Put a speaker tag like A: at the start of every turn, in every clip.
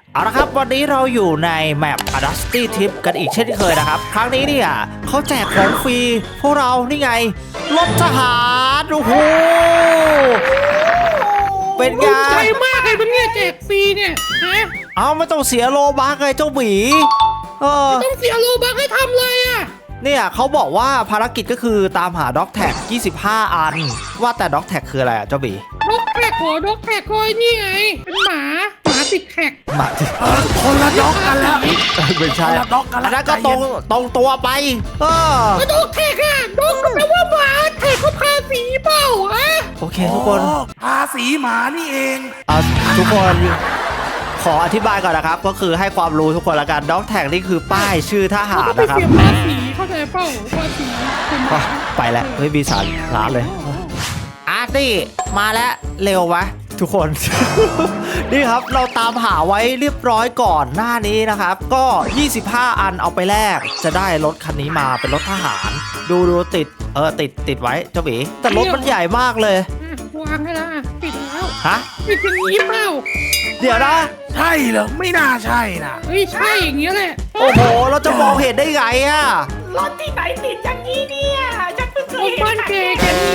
A: เอาละครับวันนี้เราอยู่ในแมป Dusty Trip กันอีกเช่นเคยนะครับครั้งนี้เนี่ยเขาแจกของฟรีพวกเรานี่ไงรถทหารโอ้โหเป็นไง
B: ใจมากเลยมันเนี่ยแจกฟรีเนี่ยฮะ
A: เอาไม่ต้องเสียโลบัคเลยเจ้าหมี
B: ต้องเสียโลบักให้ทำเลยอ่ะ
A: เนี่ยเขาบอกว่าภารกิจก็คือตามหาด็อกแท็ก25 อันว่าแต่ด็อกแท็กคืออะไรอ่ะเจ้าหมี
B: ด็อกแท็กขอด็อกแท็กคอยนี่ไงเป็นหมาติดแท็ก
A: หมาที่
C: คนละด็อกกันแล้ว
A: ไม่ใช่
C: คนละด็อกกัน
A: อัน
C: แล้ว
A: นั้นก็ตรงตัวไป
B: ก็ด็อกแท็กอ่ะด็อกก็แปลว่าหมาแท็กก็ภาษีเปล่าอ่ะ
A: โอเคทุกคน
C: ภาษีหมานี่เอง
A: ทุกคนขออธิบายก่อนนะครับก็คือให้ความรู้ทุกคนละกันด็อกแท็กนี่คือป้ายชื่อทหาร
B: ก็ไป
A: นะครับ
B: เสียภาษีเข้าใจเปล่าภาษีเป็นหมา
A: ไปแล้วเฮ้ยมีสารร้านเลยอาร์ตี้มาแล้วเร็ววะทุกคน นี่ครับเราตามหาไว้เรียบร้อยก่อนหน้านี้นะครับก็25 อันเอาไปแลกจะได้รถคันนี้มาเป็นรถทหารดูติดติดไว้เจ้าหมีแต่รถมันใหญ่มากเลยว
B: างให้แล้วปิดแล้ว
A: ฮะ
B: ปิดอย่างนี้เปล่า
A: เดี๋ยวนะ
C: ใช่เหรอไม่น่าใช่นะ
B: เฮ้ยใช่อย่างเงี้ยแหละ
A: โอ้โหเราจะมองเห็นได้ไงอะ
D: รถที่ไหนติดอย่างนี้เนี่ยฉันเพิ่งเค
B: ร
D: ย
B: ถ
D: เห็น
B: บ้านแกแกนี่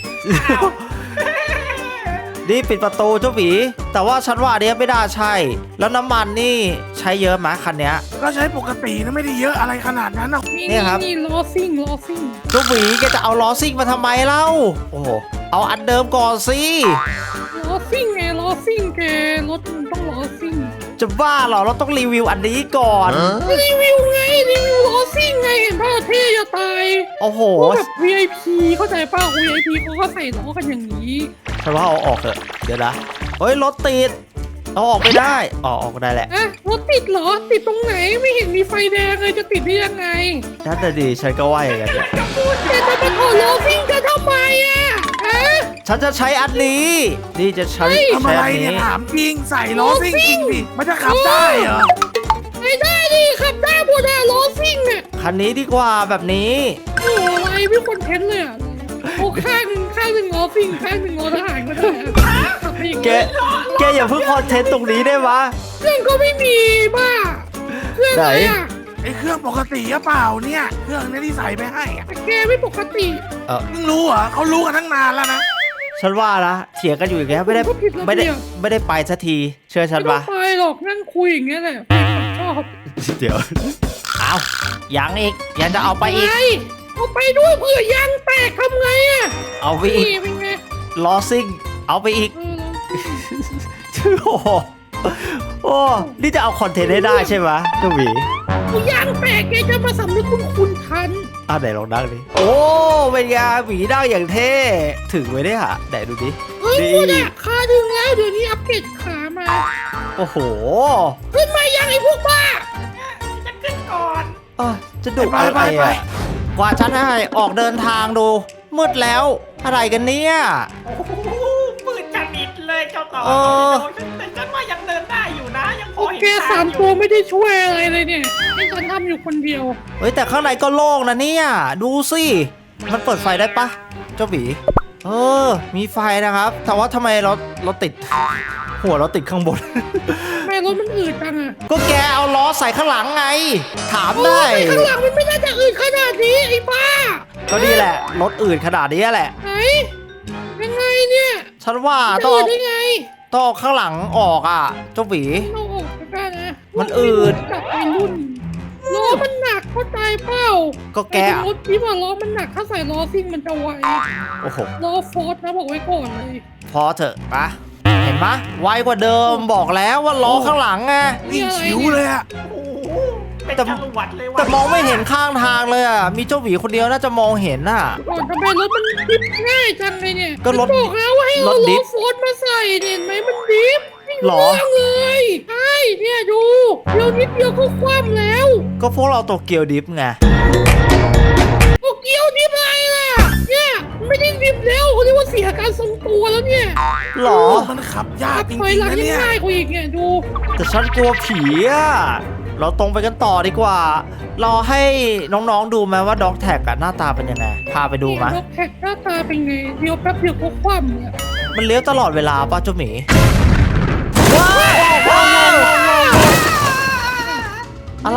A: นี่ปิดประตูเจ้าหมีแต่ว่าฉันว่าอันเนี้ยไม่น่าใช่ แล้วน้ำมันนี่ใช้เยอะไหมคันเนี้ย
C: ก็ใช้ปกตินะไม่ได้เยอะอะไรขนาดนั้นหรอก
A: เนี่ยครับ
B: นี่ล้อซิ่ง
A: เจ้าหมีแกจะเอาล้อซิ่งมาทำไมเล่าโอ้โหเอาอันเดิมก่อนสิ
B: ล้อซิ่งไงล้อซิ่งแกรถมันต้องล้อซิ่ง
A: จะบ้าเหรอเราต้องรีวิวอันนี้ก่อน
B: รีวิวไงรีวิวล้อซิ่งไงเห็นป่ะเท่จะตาย
A: โอ้โห
B: พวกแบบ VIP เข้าใจป่ะ VIP เขาก็ใส่ล้อกันอย่างนี้
A: ฉันว่าเอาออกเถอะเดี๋ยวนะเฮ้ยรถติดเอาออกไม่ได้ออกได้แหละ
B: อ่ะรถติดเหรอติดตรงไหนไม่เห็นมีไฟแดงเลยจะติดได้ยังไง
A: นั่นน่ะดิฉันก็ว่าอย่างนั้นแหละ
B: แกจะมาถอดล้อซิ่งกันทำไมอ่ะฮะ
A: ฉันจะใช้อันนี้นี่จะใช้
C: ทำอะไร
A: อัน
C: เนี่ย
A: นี้
C: ถามจริงใส่ล้อซิ่งจริงดิมันจะขับได้เหรอ
B: ไม่ได้ดิขับได้หมดอะล้อซิ่งเนี่ย
A: คันนี้ดีกว่าแบบนี้
B: โอ้อะไรไม่คนเทนเลยอ่ะโอ้ข้างหนึ่งล้อซิ่งข้างหนึ่งล้อทหารก็ได้อะขับไปอย่าง
A: แก
B: เงี้ย
A: แกอย่าเพิ่งคอนเทนต์ตรงนี้ได้ปะ
B: เครื่องก็ไม่มีบ้าเครื่องอะไรอ่ะ
C: ไอ้เครื่องปกติหรือเปล่าเนี่ยเครื่องเนี้ที่ใส่ไปให้อะ
B: แต่แกไม่ปกติ
C: มึงรู้เหรอเขารู้กันตั้งนานแล้วนะ
A: ฉันว่านะเถียงกันอยู่อย่างเงี้ยไม่ได้ไปสักทีเชื่อฉัน
B: ไม่ต้อ
A: ปะ
B: งไปหรอกนั่งคุยอย่างเงี้ยแหละชอบ
A: เดี๋ยวเอายังอีกยังจะเอาไปอีก
B: ไงเอาไปด้วยเผื่อยางแตกทำไงอ่ะ
A: เอาไปอีก
B: นี่เป็นไง
A: ล้อซิ่งเอาไปอีก โอ้โหโอ้นี่จะเอาคอนเทนต์ให้ได้ใช่ไหมเจ้าหมี
B: เอายางแตกแกจะมาสำนึกคุณทัน
A: ไหนลองนั่งดิโอ้เป็นไงหมีนั่งอย่างเท่ถึงไว้ได้ฮะไหนดูดิ
B: เฮ้ยพูดอ่ะขาถึงแล้วเดี๋ยวนี้อัปเกรดขามา
A: โอ้โห
B: ขึ้นมายังไอ้พวกบ้า
D: จะขึ้นก่อน
A: จะดุอะไรอ่ะกว่าฉันให้ออกเดินทางดูมืดแล้วอะไรกันเนี่ย
D: โอ้โหมืดจะมิดเลยเจ้าต่อแต่ฉันว่ายังเดินได้อยู่นะยังพอเห็น
B: แก
D: ท
B: สาง ม
D: อยู่
B: ตัวไม่ได้ช่วยอะไรเลยเนี่ยให้ฉันทำอยู่คนเดียว
A: เฮ้ยแต่ข้างในก็โล่งนะเนี่ยดูสิมันเปิดไฟได้ปะเจ้าหมีมีไฟนะครับแต่ว่าทำไมรถติด หัวเราติดข้างบน
B: แม่รถมันอืดจังอ่ะ
A: ก็แกเอาล้อใส่ข้างหลังไง ถาม
B: โอ้
A: ได้
B: ยข้างหลังมันไม่น่าจะอืดขนาดนี้ไอ้บ้า
A: ก็นี่แหละรถอื่นขนาดนี้แหละ
B: ไหนยังไงเนี่ย
A: ฉันว่า
B: จะ
A: ต้อง
B: อืดได้ไง
A: ต้องเอาข้างหลังออกอ่ะเจ้าหวี
B: เราออกไปได้นะ
A: มันอืด
B: จับไปรุ่นล้อมันหนักเข้าใจเปล่า
A: ก็แก
B: ไอ้รถที่ว่าล้อมันหนักถ้าใส่ล้อซิ่งมันจะไว
A: โอ้โห
B: ล้อฟอร์ดนะบอกไว้ก่อนเลย
A: พอเถอะปะเห็นปะไวกว่าเดิมบอกแล้วว่าล้อข้างหลังไง
C: วิ่งฉิวเลยอะ
D: โอ้โหเป็น
A: แต่
D: จรวดเลยว่ะ
A: แต่มองไม่เห็นข้างทางเลยอ่ะมีเจ้าหวีคนเดียวน่าจะมองเห็นน่ะ
B: ก่อนทำไมรถมันดิฟง่ายจังเลยเนี่ย
A: ก็รถ
B: บอกแล้วว่าให้
A: ร
B: เอา
A: ถดิ
B: ล้อ
A: ฟ
B: ฟอร์ดมาใส่เนี่ยเห็นไหมมันดิฟไม่
A: หรอ
B: เรื่องเลยใช่เนี่ยดูเดี๋ยวนิดเดียวก็คว่ำแล้ว
A: ก็พวกเราโตเกียวดิฟไง
B: โอ้เกียวดิฟอะไรล่ะเนี่ยไม่ได้ดิฟแล้วเขาเรียกว่าเสียการทรงตัวแล้วเนี่ย
A: หรอ
C: มันขับยากจ
B: ถอย
C: ริง
B: หลั
C: ๆ
B: ง
C: นะ
B: ยัง
C: เนี่ย
B: ง่ายกว่าอีกเนี่ยดู
A: แต่ฉันกลัวผีอ่ะเราตรงไปกันต่อดีกว่า รอให้น้องๆดูไหมว่าด็อกแท็กอะหน้าตาเป็นยังไง พาไปดูไหม
B: รถแท็กหน้าตาเป็นไงเดียวแป๊บเดียวก็คว่ำเนี่ย
A: มันเลี้ยวตลอดเวลาป่ะเจ้าหมีว้าวว้าวว้าว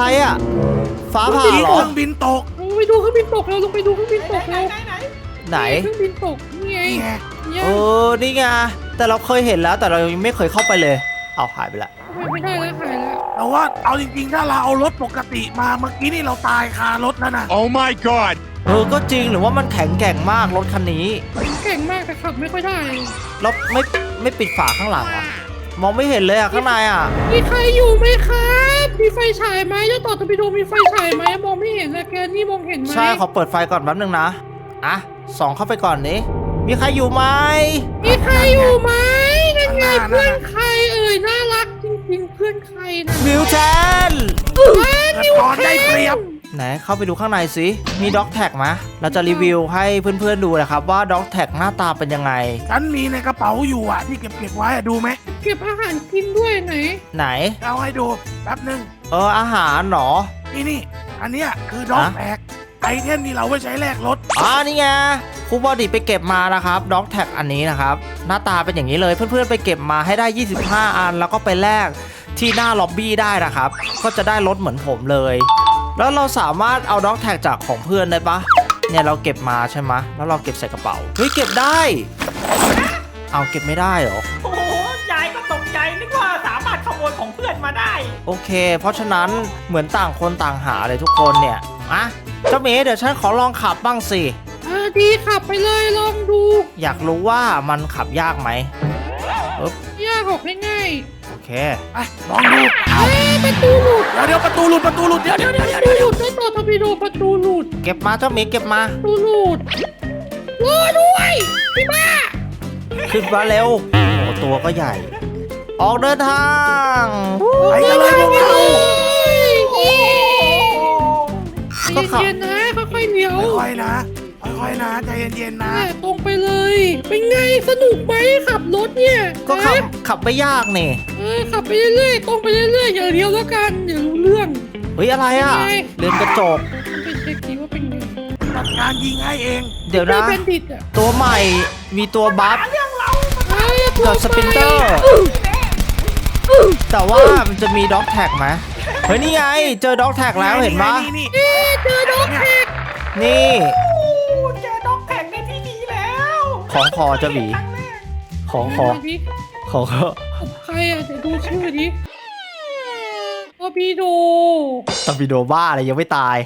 A: อะไรอ่ะฟ้าผ่า
C: มี
A: เหร
C: เค
A: อ
C: รื่องบินตก
B: ลงไปดูเครื่องบินตกเราลงไปดูเครื่องบินตก
D: ไหน
B: เรา
D: ไหน
A: ไหน
B: เครื่องบินตกนี่ไง
C: นี่ไง
B: เนี่ย
A: นี่ไงแต่เราเคยเห็นแล้วแต่เรายังไม่เคยเข้าไปเลยเอาหายไปละ
B: ไม่ได้แล้วหายแล้ว
C: แต่ว่าเอาจริงๆถ้าเราเอารถปกติมาเมื่อกี้นี่เราตายคารถแล้วนะ
E: Oh my god!
A: ก็จริงหรือว่ามันแข็งแกร่งมากรถคันนี้
B: เก่งมากแต่ขับไม่ค่อยได้
A: แล้วไม่ปิดฝาข้างหลังเหรอมองไม่เห็นเลยอ่ะข้างในอ่ะ
B: มีใครอยู่ไหมครับมีไฟฉายไหมเจ้าต่อตะปิโดมีไฟฉายไหมมองไม่เห็นเลยแกนี่มองเห็นไหม
A: ใช่ขอเปิดไฟก่อนแป๊บนึงนะอ่ะส่องเข้าไปก่อนนี้มีใครอยู่ไหม
B: มีใครอยู่ไหมนั่นไงเพื่อนใครเอ่ยน่ารักจริงๆเพื่อนใครนะ
A: มิวแทน
C: เกิดตอนได้เปรียบ
A: ไหนเข้าไปดูข้างในสิมีด็อกแท็กไหมเราจะรีวิวให้เพื่อนๆดูนะครับว่าด็อกแท็กหน้าตาเป็นยังไง
C: ฉันมีในกระเป๋าอยู่อ่ะที่เก็บไว้อะดูไหม
B: เก็บอาหารกินด้วยไหน
A: ไหน
C: เอาให้ดูแป๊บนึง
A: อาหารเหรอ
C: นี่อันเนี้ยคือด็อก
A: ฮะ
C: แพ็กไอเทมที่เราไว้ใช้แลกรถ
A: นี่ไงครูบอดี้ไปเก็บมานะครับด็อกแท็กอันนี้นะครับหน้าตาเป็นอย่างนี้เลยเพื่อนๆไปเก็บมาให้ได้ 25 อันแล้วก็ไปแลกที่หน้าล็อบบี้ได้นะครับก็จะได้รถเหมือนผมเลย แล้วเราสามารถเอาด็อกแท็กจากของเพื่อนได้ปะเนี่ยเราเก็บมาใช่ไหมแล้วเราเก็บใส่กระเป๋าเฮ้ยเก็บได้เอาเก็บไม่ได้เหรอ
D: โอ้โหยายก็ตกใจนึกว่าสามารถขโมยของเพื่อนมาได้
A: โอเค เพราะฉะนั้นเหมือนต่างคนต่างหาเลยทุกคนเนี่ยเจ้าเมย์เดี๋ยวฉันขอลองขับบ้างสิ
B: ดีขับไปเลยลองดู
A: อยากรู้ว่ามันขับยากไหม
B: ยากออกง่าย
A: โอเค
C: ไปลองดู
B: ๆประตูหลุด
C: เดี๋ยวประตูหลุดเดี๋ยว
B: ประตูหลุดเจ้าต่อตะปิโดประตูหลุด
A: เก็บมาเจ้าเมย์เก็บมา
B: ประตูหลุดรอด้วยพี่บ้า
A: ขึ้นมาเร็วโอ้ตัวก็ใหญ่ ออกเดินทาง
C: ไปกันเลยพวกเรา
A: ก็ขับ
B: เย็นๆนะค่อยๆเลี้ยว
C: ค่อยๆนะใจเย็นๆนะ
B: ตรงไปเลย เป็นไงสนุกไหมขับรถเนี่ย
A: ก็ขับไม่ยากนี่
B: ขับไปเรื่อยๆตรงไปเรื่อยๆอย่าเลี้ยวแล้วกันอย่ารู้เรื่อง
A: เฮ้ยอะไรอ่ะ
B: เป็นไง
A: เรือนกระจก
B: ไปเช็คดีว่าเป็นไง
C: จัดการยิงให้เอง
A: เดี๋ยว
B: เจ้า
A: นะ
B: แบนดิตอ่ะ
A: ตัวใหม่มีตัวบัฟ
B: ตัว
A: กับสปินเตอร์ แต่ว่ามันจะมีด็อกแท็กไหมเฮ้ยนี่ไงเจอด็อกแท็กแล้วเห็นปะ
C: นี่
B: เจอด็อกแท็ก
A: นี่
D: เจอด็อกแท็กในที่นี้แล้ว
A: ของคอจะหวี
D: ครั้งแรก
A: ของคอ
B: ดิ
A: ของคอ
B: ใครอ่ะเดี๋ยวดูชื่อดิตอร์ปิโด
A: ตอร์ปิโดบ้าอะไรยังไม่ตาย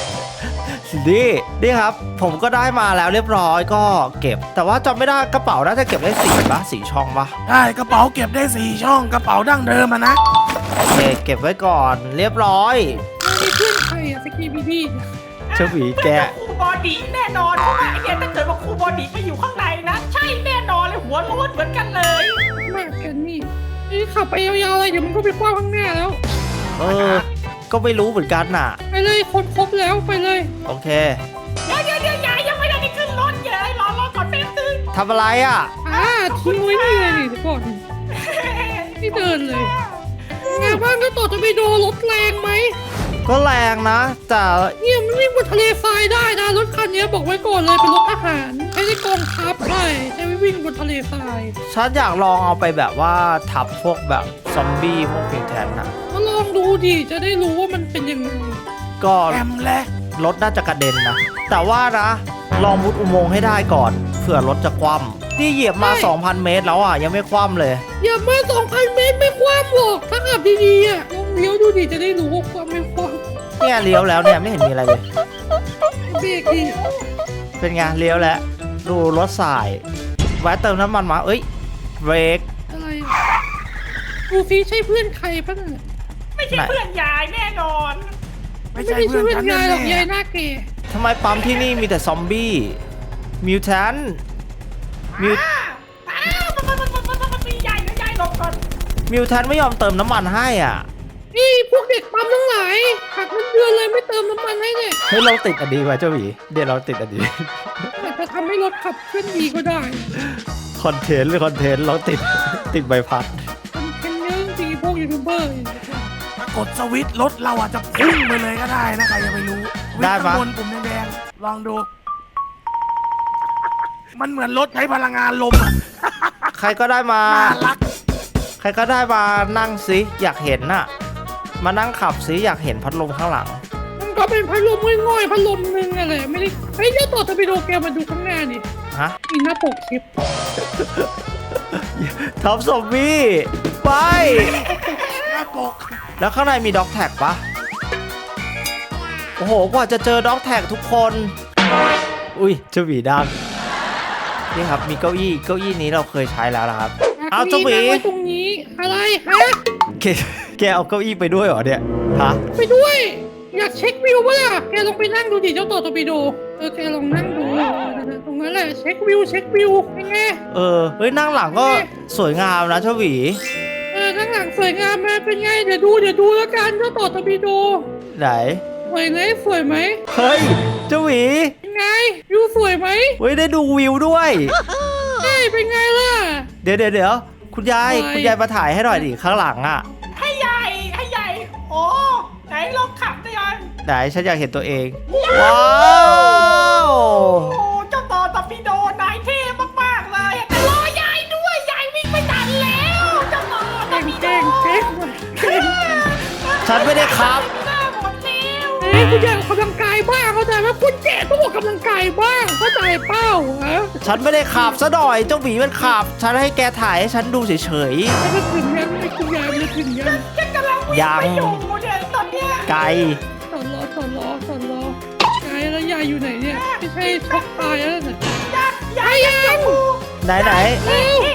A: นี่ครับ ผมก็ได้มาแล้วเรียบร้อยก็เก็บ แต่ว่าจำไม่ได้กระเป๋าน่าจะเก็บได้สี่ช่องปะ
C: ได้กระเป๋าเก็บได้4 ช่องกระเป๋าดั้งเดิมอะนะ
A: โอเคเก็บไว้ก่อนเรียบร้อย
B: มีเพื่อนใครอ่ะสกีบีดี
A: เจ้าหวีแก
D: ครูบอดี้แน่นอนเพราะว่าไอเนี่ยถ้าเกิดว่าครูบอดี้ไปอยู่ข้างในนะ ใช่แน่นอนเลยหัวโล้นเหมือนกันเลย
B: มากกันนี่ขับไปยาวๆเลยเดี๋ยวมันก็ไปคว้างข้างหน้าแล้ว
A: ก็ไม่รู้เหมือนกันน่ะ
B: ไปเลยคนครบแล้วไปเลย
A: โอเค
D: เดี๋ยวยายยังไม่ได้ขึ้นรถเลยรอก่อนแป๊บนึง
A: ทำอะไรอ่ะ
B: ทิ้งไว้นี่เลยนี่เดี๋ยวก่อนไม่เดินเลยไงบ้างก็ต่อจะไปโดนรถแรงไหม
A: ก็แรงนะ แต่
B: เนี่ยมันวิ่งบนทะเลทรายได้นะรถคันนี้บอกไว้ก่อนเลยเป็นรถทหารใช้ในกองทัพใช่ใช้วิ่งบนทะเลทราย
A: ฉันอยากลองเอาไปแบบว่าทับพวกแบบซอมบี้พวกพิงแทนน่ะ
B: ก็ลองดูดิจะได้รู้ว่ามันเป็นยังไง
A: ก็
C: แอมและ
A: รถน่าจะกระเด็นนะ แต่ว่านะลองมุดอุโมงค์ให้ได้ก่อนเผื่อรถจะคว่ำนี่เหยียบมา 2,000 เมตรแล้วอ่ะยังไม่คว่ำเลย
B: อย่ามา 2,000 เมตรไม่คว่ำหรอกถ้าขับดีๆอ่ะลองเลี้ยวดูดิจะได้รู้ว่าความไม่คว่ำ
A: เนี่ยเลี้ยวแล้วเนี่ยไม่เห็นมีอะไรเลย
B: เบรกดิ
A: เป็นไงเลี้ยวแล้วดูรถสายแวะเติมน้ำมันมาเอ้ยเบรก
B: อะไรอ่ะดูซิใช่เพื่อนใครบ้างอะ
D: ไม่ใช่เพื่อนยายแน่นอน
C: ไม่
B: ไม่
C: ใช่
B: ได้
C: เพื่
B: ช่
C: อ
B: วน ย
C: ฉัน
B: ยายหร
C: แน่
B: อกยายหน้าเก๋
A: ทำไมปั๊มที่นี่มีแต่ซอมบี้มิวแทนมิว
D: มันมียายนะยายหลบก่อน
A: มิวแทนไม่ยอมเติมน้ำมันให้อ่ะ
B: นี่พวกเด็กปั๊มทั้งหลายหักเงินเดือนเลยไม่เติมน้ำมันให้เนี่ย
A: เฮ้ยเราติดอันดีไว้เจ้าหวีเดี๋ยวเราติดอันดี
B: อาจจะทำให้รถขับเคลื่อนดีก็ได้
A: คอนเทนต์หรือคอนเทนต์เราติดใบพัด
B: มันเป็นเรื่องจริงพวกยูทูบเบอร์
C: ถ้ากดสวิตช์รถเราอาจจะพุ่งไปเลยก็ได้นะใครจะไปรู้วิ่งข้างบนปุ่มแดงๆลองดู มันเหมือนรถใช้พลังงานลมอะ
A: ใครก็ได้มา
C: น่ารัก
A: ใครก็ได้มานั่งสิอยากเห็นน่ะมานั่งขับซิอยากเห็นพัดลมข้างหลัง
B: มันก็เป็นพัดลมง่อยๆพัดลมหนึงอะไรไม่ได้เฮ้ยเจ้าต่อทวิโดแกมาดูข้างหน้าดิ
A: ฮะ
B: มีหน้าปกคลิป
A: ท็อปซอมบี้ไป
C: หน้าปก
A: แล้วข้างในมีด็อกแท็กปะโอ้โหกว่าจะเจอด็อกแท็กทุกคน อุ้ยเจ้าหวีดังนี่ครับมีเก้าอี้นี้เราเคยใช้แล้วนะครับ เอาเจ้าหวี
B: นั่งไว้ตรงนี้อะไรฮะ
A: แกเอาเก้าอี้ไปด้วยเหรอเนี่ยฮะ
B: ไปด้วย อยากเช็ควิวปะล่ะแกลองไปนั่งดูดิเจ้าต่อทวิโดแกลองนั่งดูตรงนั้นแหละเช็ควิวเป็นไง
A: เฮ้ยนั่งหลังก็สวยงามนะเจ้าหวี
B: ข้างหลังสวยงามไหมเป็นไงเดี๋ยวดูแล้วกันเจ้าต่อทวิโด
A: ไหน
B: สวยไหม
A: เฮ้ยเจ้าหวี
B: เป็นไงวิวสวยไหม
A: เฮ้ยได้ดูวิวด้วย
B: เฮ้ยเป็นไงล่ะ
A: เดี๋ยวคุณยาย
B: อะไร
A: คุณยายมาถ่ายให้หน่อยดิข้างหลังอ่ะ
D: ให้ใหญ่โอ้ไหนลองขับได้ยัง
A: ไหนฉันอยากเห็นตัวเอง ว้าว
D: โอ้เจ้าต่อตะปิโดนายเท่มากๆเลยแต่รอยายด้วยยายวิ่งไม่ทันแล้วเจ้าต่อตะปิโด
B: เก่ง
A: ฉันไม่ได้ครับ
D: หน้าหมดแล้ว
B: คุณอยากออกกำลังกายบ้างเข้าใจไหมคุณแก่ต้องออกกำลังกายบ้างเข้าใจเป้าฮะ
A: ฉันไม่ได้ขับซะหน่อยเจ้าหวีมันขับ ฉันให้แกถ่ายให้ฉันดูเฉย
B: แล้วก็ถึงยังไม่คุณยายมันถึงยัง
D: ฉันกำลังวิ่งไปอยู่เนี่ยตอนเนี้ย
A: ๆไกล
B: สอนล้อยายแล้วยายอยู่ไหนเนี่ยไม่ใช่ช็อกตายแล้วนะ
D: ยายยังอยู่
A: ไหน
B: เอ้าย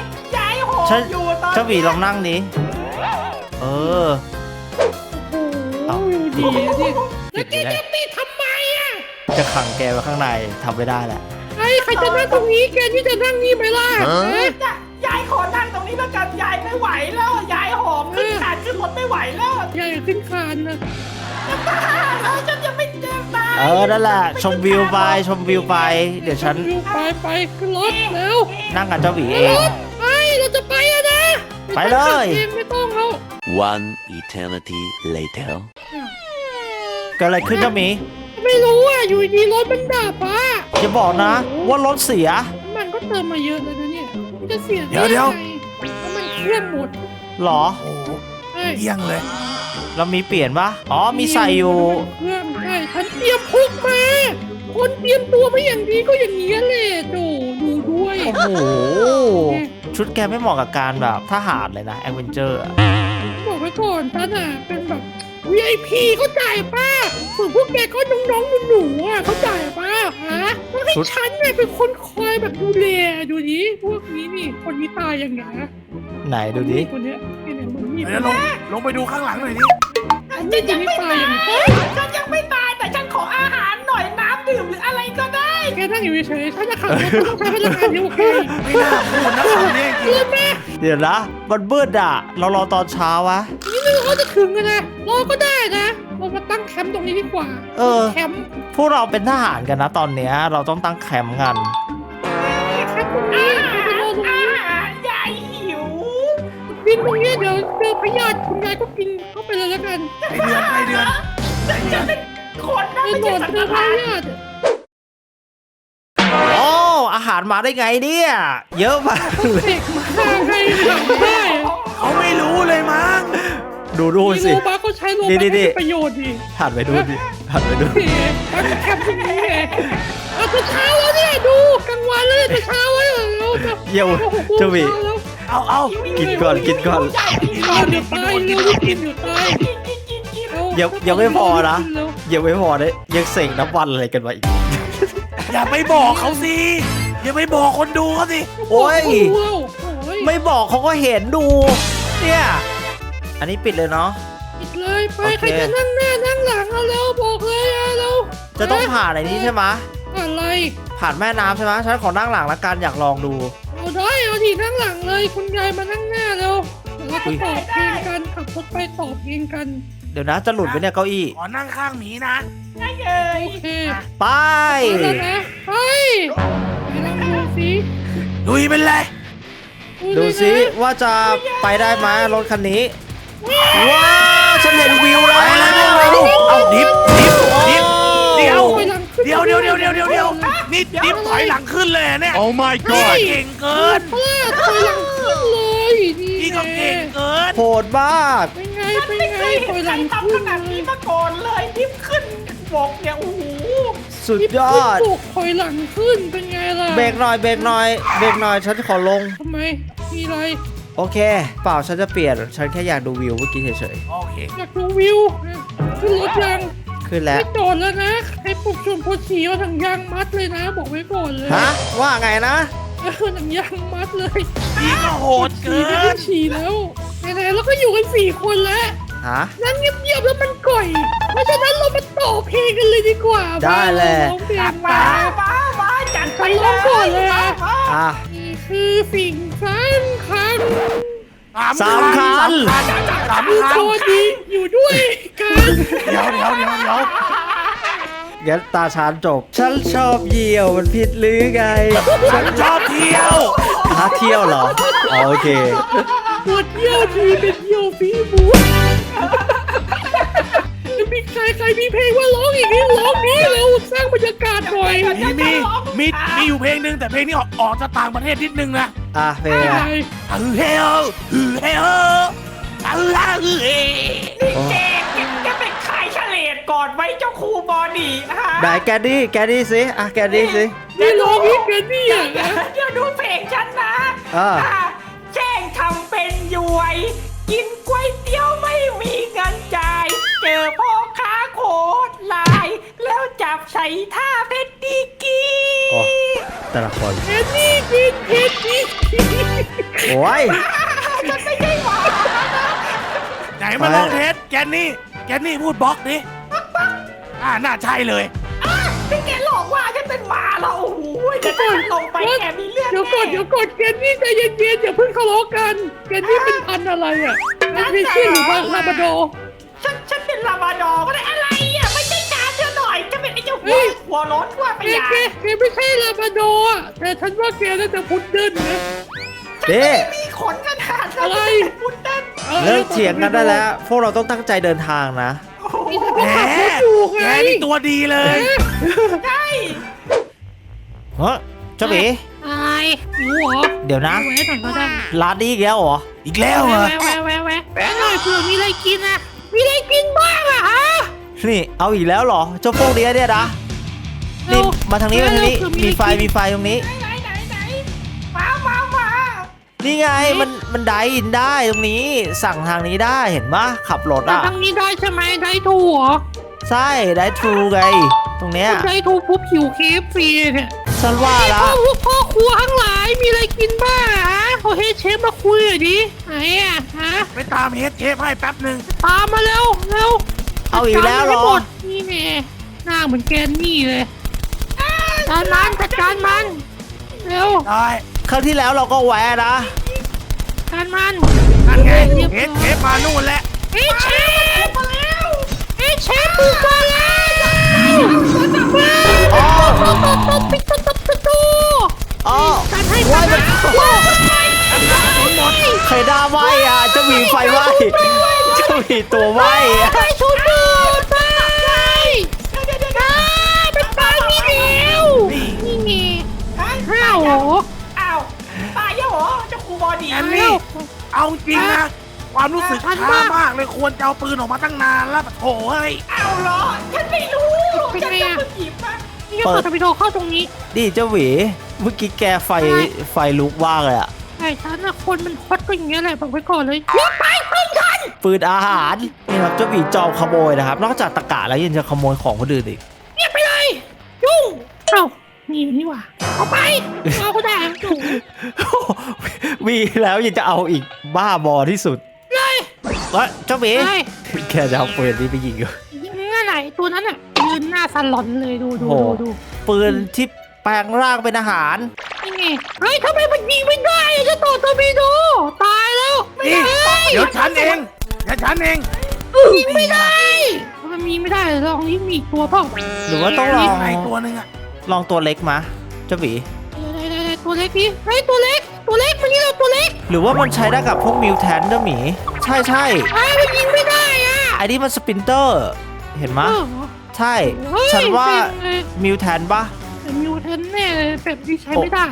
D: ายโห
A: ฉัน
D: อยู่ตอน
A: เจ้าหวีลองนั่งนี้เออ
B: โอ้โหอยู่ดีอะดิแล้วแกจะปิดทำไมอ่ะ
A: จะขังแกไว้ข้างในทำไม่ได้แหละ
B: ใครจะนั่งตรงนี้แกนี่จะนั่งนี่ไหมล่ะ
D: ยายขอนั่งตรงนี้แล้วกันยายไม่ไหวแล้วยายหอมขึ้นขาดขึ้นรถไม่ไหวแล้ว
B: ยายขึ้นคานนะ
D: จะบ้าแล้วฉันจะไม่เจอตาย
A: นั่นแหละชมวิวไปเดี๋ยวฉัน
B: ไปขึ้นรถแล้ว
A: นั่งกับเจ้าหวีเอ
B: ร
A: ง
B: ถไปเราจะไปแล้วนะ
A: ไปเลย
B: ไม่ต้องแล้ว
E: One eternity later.
A: เกิดอะไรขึ้นเจ้าหมี
B: ไม่รู้อ่ะอยู่ดีรถมันดับอ่ะ
A: อย่าบอกนะว่ารถเสีย
B: มันก็เติมมาเยอะแล้วนะเนี่ยมันจะเสีย
C: เดี๋ยว
B: ไงแล้วมันเครื่องหมด
A: หรอ
C: โอ้โห
B: ใช่
C: เยี่ยงเลย
A: เรามีเปลี่ยนปะอ๋อมีใส่อยู่
B: เครื่องใช่ฉันเตรียมพกมา คนเตรียมตัวมาอย่างดีก็อย่างนี้แหละโจดูด้วย
A: โอ้โห ชุดแกไม่เหมาะกับการแบบทหารเลยนะแอดเวนเจอร์
B: บอกไว้ก่อนฉันอ่ะเป็นแบบ VIP เข้าใจป่ะส่วนพวกแกก็น้องๆหนูๆอ่ะเข้าใจป่ะฮะต้องให้ฉันเนี่ยเป็นคนคอยแบบดูแลดูดิพวกนี้นี่คนนี้ตายยังไงนะ
A: ไหนดูดิ
B: คนเนี้ยเนี่ยมึงนี่
C: เดี๋ยวลงไปดูข้างหลังหน่อยดิ
B: ฉันยังไม่ตายยังไง
D: ฉันยังไม่ตายแต่ฉันขออาหารหน่อยน้ำดื่มหรืออะไรก็ได้
B: แกนั่งอยู่เฉยๆฉันจะขับรถต้องใช้พลังงานเยอะกว่าแก
C: ไม่น่าพูดนะคำนี้จริง
B: เพื่อนแม่
A: เดี๋ยวนะมันมืดอ่ะ เรารอตอนเช้าวะ
B: นี่ไม่รู้เขาจะถึงกันนะรอก็ได้นะเรามาตั้งแคมป์ตรงนี้ดีกว่า แคมป์
A: พวกเราเป็นทหารกันนะตอนเนี้ยเราต้องตั้งแคมป์กัน
B: แคมป์ตรงนี้ไปรอตรงนี้
D: ยายหิว
B: บินตรงนี้เดี๋ยวเจอพยาธิคุณยายก็กินเข้าไปเลยแล้วกัน
C: ไอเดือน
D: ฉันจะเป็นคนนะ
B: ไป
D: ไม่
B: โด
D: ใช่
B: น
D: สัต
B: เจอ
D: ว์
B: พ
D: ร้าย
B: ยาธิ
A: โอ้อาหารมาได้ไงเนี่ย เยอะมากเลย
B: เด็กมาให้ทำได้
C: เขาไม่รู้เลยมั้ง
A: ดู
B: มี
A: สิ
B: โลบัคก็ใช้โลบัค
A: นี่
B: ให้ประโยชน์ดี
A: หันไปดูดิหันไปดู
B: นี่ตั้งแคมป์ตรงนี้ไงเอาแต่เช้าแล้วเนี่ยดูกลางวันแล้วแต่เช้าแล้วเราจะ
A: เยี่ยวเจ้าหวี
C: เอา
A: กินก่อนกินก่อน
B: เดี๋ยวตายเร็วกินเดี๋ยวตาย
A: ยังไม่พอนะยังไม่พอเลยยังเสกน้ำวันอะไรกันมาอีก
C: อย่าไปบอกเขาสิอย่าไปบอกคนดูเขาสิ
A: โอ้ย
B: ไม่
A: ไม่บอกเขาก็เห็นดู เนี่ย อันนี้ปิดเลยเนาะ
B: ปิดเลยไป
A: โอเค
B: ใครจะนั่งหน้านั่งหลังเอาเร็วบอกเลยเอาเร็ว
A: จะต้องผ่านอะไรนี้ใช่ไหม
B: อะไร
A: ผ่านแม่น้ำใช่ไหมฉันขอนั่งหลังละกันอยากลองดู
B: เอาได้เอาทีนั่งหลังเลยคุณยายมานั่งหน้าเร็วเดี๋ยวเราจะตอบเพลงกันขับรถไปตอบเพลงกัน
A: เดี๋ยวนะจะหลุดไปเนี่ยเก้าอี้
C: ขอนั่งข้างหมีนะ
D: ได้เลย
B: โอเค
A: ไป
B: ไปแล้วนะไปไปลองดูสิ
C: ลุยเป็นไร
A: ดูสิว่าจะไปได้ไหมรถคันนี้ ว้าวฉันเห็นวิวแล้ว
C: ไปเลยพวกเราเอาดิฟเดี๋ยว
B: ถอยหลังขึ้น
C: นี่ดิฟถอยหลังขึ้นเลยเนี่ย
E: Oh my
C: นี่ก็
E: god!
C: เก่งเกิน
B: พลาดถอยหลังขึ้นเลยนี่
C: นี่ก็เก่งเกิน
A: โหดมาก
B: เป็นไงเป็น
D: ไม่
B: ไง
D: เคย
B: ถ
D: เห็
B: อน ย
D: ใค
B: ห
D: ร
B: ลัง
D: ทำ
B: ขึ้
D: ข
B: น
D: นาดนี้มาก่อนเลยทิปขึ้นบกเนี่ยโอ้โห
A: สุดยอด
B: ตกถอยหลังขึ้นเป็นไงล่ะ
A: เบรกหน่อยเบรกหน่อยเบรกหน่อยฉันขอลง
B: ทำไมมีอะไร
A: โอเค เปล่าฉันจะเปลี่ยนฉันแค่อยากดูวิวเมื่อกี้เฉย
C: โอเค
B: อยากดูวิวขึ้นรถยัง
A: ๆขึ้นแล้ว
B: ไม่จอดแล้วนะให้ปลุกชวนโพสีเอาถังยางมัดเลยนะ บอกไว้ก่อนเลย
A: ฮะว่าไงนะ
B: หนังยางมัดเลย
C: นี่ก็โหดเกิ
B: ฉี่ไม่ได้
C: น
B: ฉี่แล้วไหนๆแล้วก็อยู่กัน4 คนแล้ว
A: ฮะ
B: นั่งเงียบๆแล้วมันก่อยเพราะฉะนั้นเรามาต่อเพลงกันเลยดีกว่า
A: ได้เลย
B: ร้องเพลง
D: มา
B: มา
D: มาจัดไป
B: ฉันร้องก่อนเลยอะ
D: มา
A: อ่ะ
B: นี่คือสิ่งสำคัญ
A: สามคัน
C: สาม
B: คือ
C: คัน
B: โทษดีอยู่ด้วยกัน
C: เดี๋ยว
A: งั้นตาชานจบ ฉันชอบเหยี่ยวมันผิดหรือไง
C: ฉันชอบเที่ยว
A: ฮะเที่ยวเหรออ๋อโอเค
B: ปวดเยี่ยวทีเป็นเยี่ยวฟีบูมีใครมีเพลงว่าร้องอีกนี่ร้องนี้เราสร้างบรรยากาศหน่อย
C: มีอยู่เพลงหนึ่งแต่เพลงนี้ออกจากต่างประเทศนิดนึงนะ
A: อ่ะเพลง
B: อะไร
C: เฮลเฮลเฮ
D: แกเป็นขายเฉลดก่อนไว้เจ้าครูบอดี้ฮะ
A: ไหนแกดี้สิอ่ะแกดี้สิ
B: นี่ร้องอีกกันนี่อ่ะนะ
D: เดี๋ยวดูเพลงฉันนะ
A: อ่า
D: แจ้งทำเป็นยวย กินก๋วยเตี๋ยวไม่มีเงินจ่าย เจอพ่อค้าโคตรลาย แล้วจับใส่ท่าเพชรดีกี
A: โอ้แต่ละคน
B: เพชรนี่กินเพชรนี่
A: โอ้ย
D: ฉันไม่ได้หวาน
C: ไหนมาลองเทสแกนนี่พูดบล็อกดิน่าใช่เลย
D: ที่แกหลอกว่าฉันเป็นหมาแล้วโอ้โหเดี๋ยวฉันลงไปแกมีเรื่อง
B: เดี๋ยวก่อนแกนนี่ใจเย็นๆอย่าเพิ่งทะเลาะกันแกนนี่เป็นพันธุ์อะไรอ่ะเป็นเพชรหรือว่าลาบราดอร์
D: ฉันเป็นลาบราดอร์ก็ได้อะไรอ่ะไม่ใช่การเธอหน่อยจะเป็นไอ้เจ้าหัวร้อนทั่วไป
B: แก
D: อย่าง
B: ไม่ใช่ลาบราดอร์อะแต่ฉันว่าแกน่าจะพุดเดิ้ลนะ
A: เด้
D: มีขนขนาดนั้น
B: อะไร
D: พุดเดิ้ล
A: เลิกเถียงกันได้แล้ว พวกเราต้องตั้งใจเดินทางนะ
B: นี่ฉัน
C: แห
B: ก็
C: ม
B: ขับรถอยู่ไง
C: แกนี่ตัวดีเลย
D: ใช่
A: เฮ้ยเจ้าหมี
B: อะไรหิวเหรอ
A: เดี๋ยวนะ
B: แวะหน่อยก็ได้
A: ร้านนี้อีกแล้วเหรอ
C: อีกแล้วเหรอ
B: แวะหน่อยเผื่อมีอะไรกินอะมีอะไรกินบ้างอะฮะ
A: นี่เอาอีกแล้วเหรอ เจ้าพวกเนี้ยเนี่ยนะ นี่มาทางนี้มาทางนี้ มีไฟตรงนี้
D: ไหนมา
A: นี่ไงมันไดอินได้ตรงนี้ สั่งทางนี้ได้เห็นปะขับรถ
B: แต่
A: อ่ะ
B: ทางนี้ได้ใช่ไหมได้ถูกเหรอ
A: ใช่ได้ทรูไง ตรงเนี้ย
B: ได้ถูกปุ๊บหิวเคฟฟรีเนี่ย
A: ฉันว่าละ
B: พ่อครัวทั้งหลายมีอะไรกินบ้างฮะขอเฮดเชฟมาคุยหน่อยดิไหนอะฮะ
C: ไปตามเฮดเชฟให้แป๊บหนึ่ง
B: ตามมาเร็วจัด
A: เอาอีกแล้วเหร
B: การ
A: อ
B: มันให้หมดนี่แน่หน้าเหมือนแกนนี่เลยจัดการมันเร็ว
C: ได้
A: ครั้งที่แล้วเราก็แวะนะ
B: การมัน
C: นั่นไงเฮดเชฟมานู่นแล้ว
B: เฮดเชฟมาแล้วเฮดเชฟบุกมาแล้วปิดประตู
A: อ๋อ
B: จัดให้
A: ว่า
B: จัด
A: มัน
B: ให้
A: ใครด่าไหวอ่ะเจ้าหมีไฟไหวเจ้าหมีตัวไหวอ่ะ
B: ไปชุดดูดไปเป็นปลามีเดียวนี่ไงห้าวเหรอ
D: อ้าวตายแล้วเหรอเจ้าครูบอดี้
C: แกนนี่เอาจริงนะ ความรู้สึกช้ามากเลยควรจะเอาปืนออกมาตั้งนานแล้วโถ่เฮ้ย
D: อ้าวเหรอฉันไม่รู้ฉันจะมาหยิบมา
B: นี่ก็เปิดทวิโดเข้าตรงนี้
A: ดิเจ้าหมีเมื่อกี้แกไฟลุกว่างเลยอ่ะ
B: ไอ้ฉันนะคนมันฮอตก็อย่างเงี้ยแหละบอกไว้ก่อนเลยรีบไปพึ่งฉัน
A: ปืนอาหารนี่ครับเจ้าหมีจอมขโมยนะครับ นอกจากตะกะแล้วยังจะขโมยของคนอื่นอีก
B: เงียบไปเลยยุ่งเอ้านี่หว่าเอาไปเอาก็ได้จุ๋
A: มีแล้วยังจะเอาอีกบ้าบอที่สุด
B: เลย
A: เฮ้ยเจ้าหมี
B: เลย
A: แกจะเอาปืนนี้ไปยิงเหรอ
B: ยิงง่ายไหนตัวนั้นอ่ะยืนหน้าสลอนเลยดู
A: โอ้โห
B: ดู
A: ปืนที่แปลงร่างเป็นอาหาร
B: นี่ไงเฮ้ยทำไมมันยิงไม่ได้อะจะต่อทวิโดตายแล้ว
C: นี่
B: ได้
C: เดี๋ยวฉันเอง
B: ยิงไม่ได้มันมีไม่ได้ลองยิงมีอีกตัวเปล่า
A: หรือว่าต้องลอง
C: ไงตัวหนึ่งอะ
A: ลองตัวเล็กมาเจ้าหมี
B: ได้ตัวเล็กดิเฮ้ยตัวเล็กมันนี่เราตัวเล็ก
A: หรือว่ามันใช้ได้กับพวกมิวแทนเจ้าหมี ใช่
B: ไอ้มันยิงไม่ได้อ่ะ
A: ไอ้นี่มันสปินเตอร์ เห็นไหมยใช่ ฉันว่ามิวแทนปะ
B: แต่มิวเทนแน่เลยแบบนี้ใช้ไม่ได้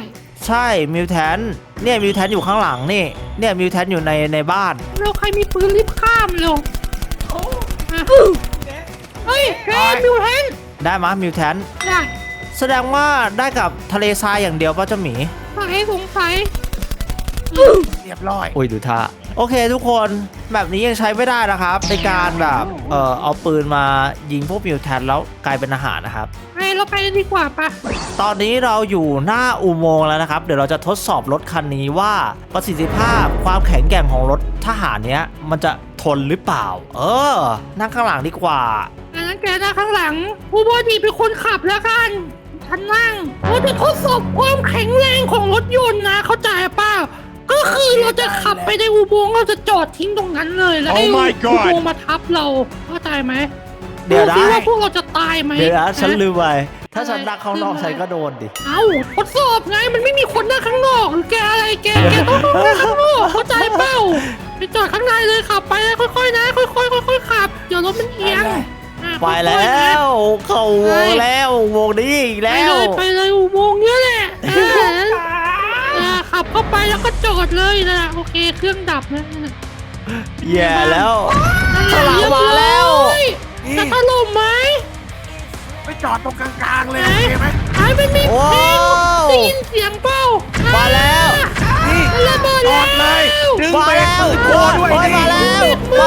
A: ใช่มิวแทนเนี่ยมิวแทนอยู่ข้างหลังนี่เนี่ยมิวแทนอยู่ในบ้าน
B: เราใครมีปืนรีบข้ามเร็ว
D: โอ้
B: อ่ะเฮ้ยแกมิวแทน
A: ได้มะมิวแทน
B: ได้
A: แสดงว่าได้กับทะเลทรายอย่างเดียวป่ะเจ้าหมี
B: สงสัย
C: เรียบร้อย
A: อุ้ยดูท่าโอเคทุกคนแบบนี้ยังใช้ไม่ได้นะครับในการแบบเอาปืนมายิงพวกมิวแทนแล้วกลายเป็นอาหารนะครับ
B: ไอ้เราไปดีกว่าปะ
A: ตอนนี้เราอยู่หน้าอุโมงค์แล้วนะครับ เดี๋ยวเราจะทดสอบรถคันนี้ว่าประสิทธิภาพความแข็งแกร่งของรถทหารเนี้ยมันจะทนหรือเปล่า นั่งข้างหลังดีกว่า
B: อันนั้นแกนะข้างหลังผู้บอดีเป็นคนขับแล้วกันฉันนั่งเราจะทดสอบความแข็งแรงของรถยนต์นะเข้าใจป่ะก็คือเราจะขับไปในอุโมงค์เราจะจอดทิ้งตรงนั้นเลยแล้วให้อุโมงค์มาทับเราเข้าใจไหม
A: เดี๋ยวนะ
B: ดูสิว่าพวกเราจะตายไหม
A: เดี๋ยวนะฉันลืมไปถ้า
B: อะไร
A: ฉันนั่งข้างนอกฉันก็โดนดิ
B: เอ้าทดสอบไงมันไม่มีคนนั่งข้างนอกหรือแกอะไรแกต้องนั่งข้างนอกเข้าใจเปล่าไปจอดข้างในเลยขับไปค่อยๆนะค่อยๆขับเดี๋ยวรถมันเอียงอ่ะ
A: ไป
B: ค่
A: แล้
B: อยๆนะ
A: วเข้าอุโมงค์แล้วอุโมงค์นี้อีก
B: ไป
A: แล้ว
B: เลยไปเลยอุโมงค์เนี้ยแหละขับเข้าไปแล้วก็จอดเลยนะโอเคเครื่องดับนะ
A: แย่แล้วข้างหลังมาแล้ว
B: จะถล่มไหม
C: ไปจอดตรงกลางๆเลยโอเคไหม
B: ไอ้มันมีเพลง
A: ว้าว
B: ได้ยินเสียงเปล่า
A: มาแล้ว
C: นี่
B: มันระเบิด
C: จ
B: แล้
C: อ
B: ว
C: ดเลยดึง
A: มา
C: เบรก
A: แล้ว
C: มือโคด้วย
A: โอ้ย
C: นี่
A: มาแล้ว